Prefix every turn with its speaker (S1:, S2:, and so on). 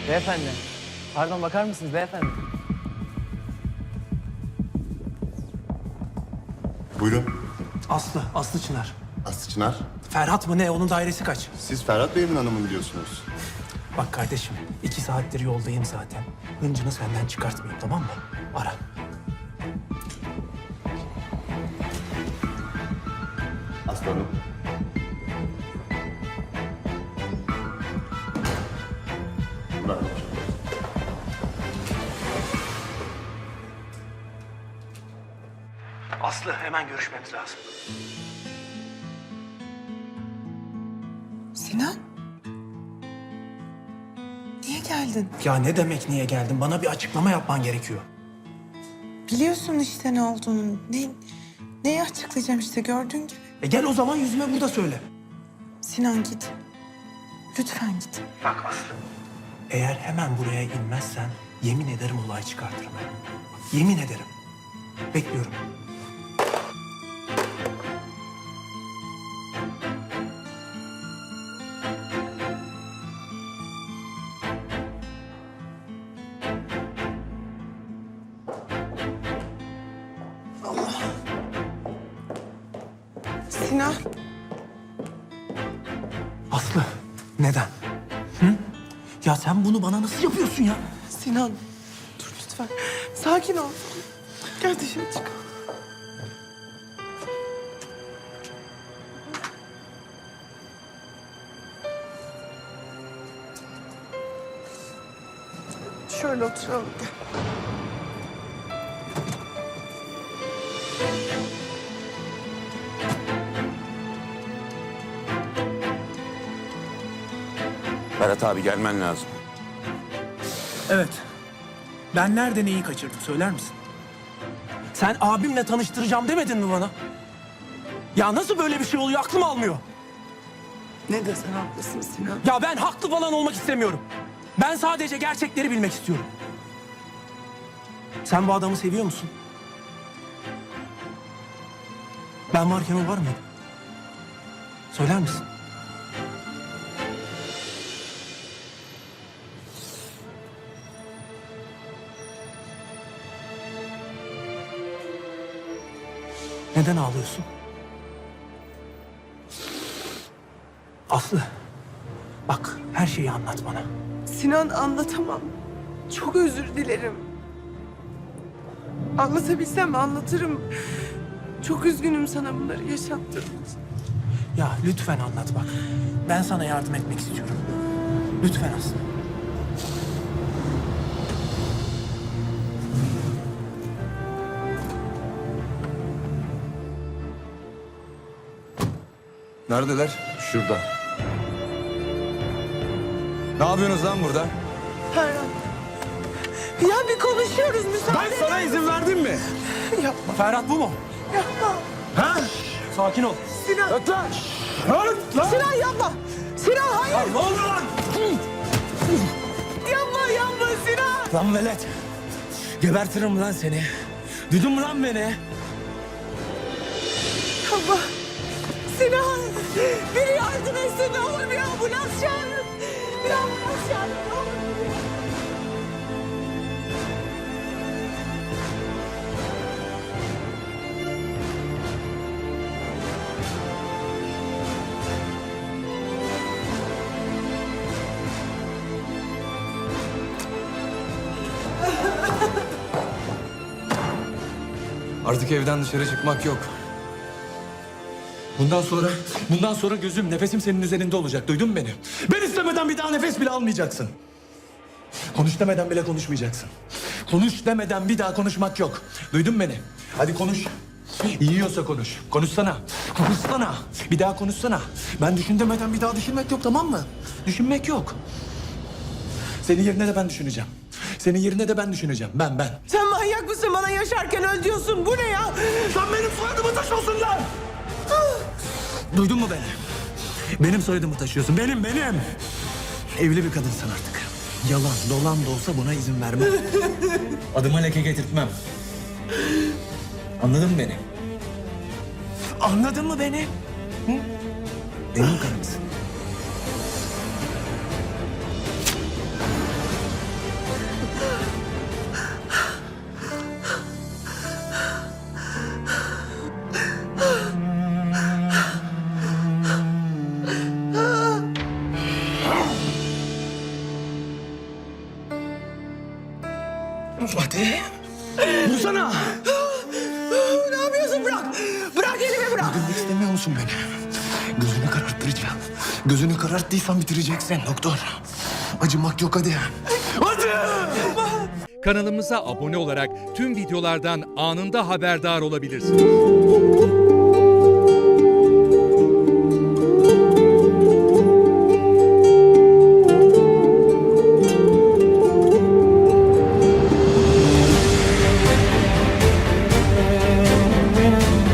S1: Beyefendi. Pardon, bakar mısınız beyefendi?
S2: Buyurun.
S3: Aslı Çınar.
S2: Aslı Çınar.
S3: Ferhat mı ne? Onun dairesi kaç?
S2: Siz Ferhat Bey'in hanımın diyorsunuz.
S3: Bak kardeşim, 2 saattir yoldayım zaten. Hıncını senden çıkartmayayım, tamam mı? Ara.
S2: Aslı Hanım. Bırak.
S3: Aslı, hemen görüşmemiz lazım.
S4: Sinan? Niye geldin?
S3: Ya ne demek niye geldin? Bana bir açıklama yapman gerekiyor.
S4: Biliyorsun işte ne olduğunu. Neyi açıklayacağım işte gördüğün gibi.
S3: Gel o zaman yüzüme burada söyle.
S4: Sinan git. Lütfen git.
S3: Bak Aslı. Eğer hemen buraya inmezsen yemin ederim olay çıkartırım. Yemin ederim. Bekliyorum.
S4: Sinan.
S3: Aslı, neden? Hı? Ya sen bunu bana nasıl yapıyorsun ya?
S4: Sinan. Dur lütfen. Sakin ol. Gel dışarı çık. Şöyle oturalım.
S5: Ferhat abi gelmen lazım.
S3: Evet. Ben nerede neyi kaçırdım söyler misin? Sen abimle tanıştıracağım demedin mi bana? Ya nasıl böyle bir şey oluyor aklım almıyor.
S4: Ne desen haklısın Sinan.
S3: Ya ben haklı falan olmak istemiyorum. Ben sadece gerçekleri bilmek istiyorum. Sen bu adamı seviyor musun? Ben varken o var mıydı? Söyler misin? Neden ağlıyorsun? Aslı, bak her şeyi anlat bana.
S4: Sinan anlatamam. Çok özür dilerim. Anlatabilsem anlatırım. Çok üzgünüm sana bunları yaşattığım için.
S3: Ya lütfen anlat bak. Ben sana yardım etmek istiyorum. Lütfen Aslı.
S6: Neredeler? Şurada. Ne yapıyorsunuz lan burada?
S4: Ferhat. Ya bir konuşuyoruz müsaade.
S6: Ben sana izin verdim mi?
S4: Yapma,
S3: Ferhat bu mu?
S4: yapma.
S6: Ha?
S3: Sakin ol.
S4: Sinan.
S6: Öt lan! Öt lan!
S4: Sinan yapma. Sinan hayır.
S6: Ne oldu lan?
S4: Yapma Sinan.
S6: Lan velet! Gebertirim lan seni. Duydun mu lan beni?
S4: Yapma. Sinan. Biri yardım etsin ne olur bir ambulans çağırın. Bir ambulans çağırın ne olur.
S6: Artık evden dışarı çıkmak yok. Bundan sonra gözüm, nefesim senin üzerinde olacak. Duydun mu beni? Ben istemeden bir daha nefes bile almayacaksın. Konuş demeden bile konuşmayacaksın. Konuş demeden bir daha konuşmak yok. Duydun mu beni? Hadi konuş. Yiyorsa konuş. Konuşsana. Konuşsana. Bir daha konuşsana. Ben düşün demeden bir daha düşünmek yok, tamam mı? Düşünmek yok. Senin yerine de ben düşüneceğim. Senin yerine de ben düşüneceğim. Ben.
S4: Sen manyak mısın bana yaşarken öl diyorsun. Bu ne ya?
S6: Sen benim soyadımı taşıyorsun lan! Duydun mu beni? Benim soyadımı taşıyorsun. Benim. Evli bir kadınsın artık. Yalan, dolan da olsa buna izin vermem. Adıma leke getirtmem. Anladın mı beni? Anladın mı beni? Hı? Benim karımsın.
S3: Hadi. Vursana.
S4: Ne yapıyorsun? Bırak. Bırak elimi bırak.
S3: Öldürmek istemiyor musun beni? Gözünü kararttıracağım. Gözünü kararttıysan bitireceksin doktor. Acımak yok hadi. Hadi!
S7: Kanalımıza abone olarak tüm videolardan anında haberdar olabilirsiniz.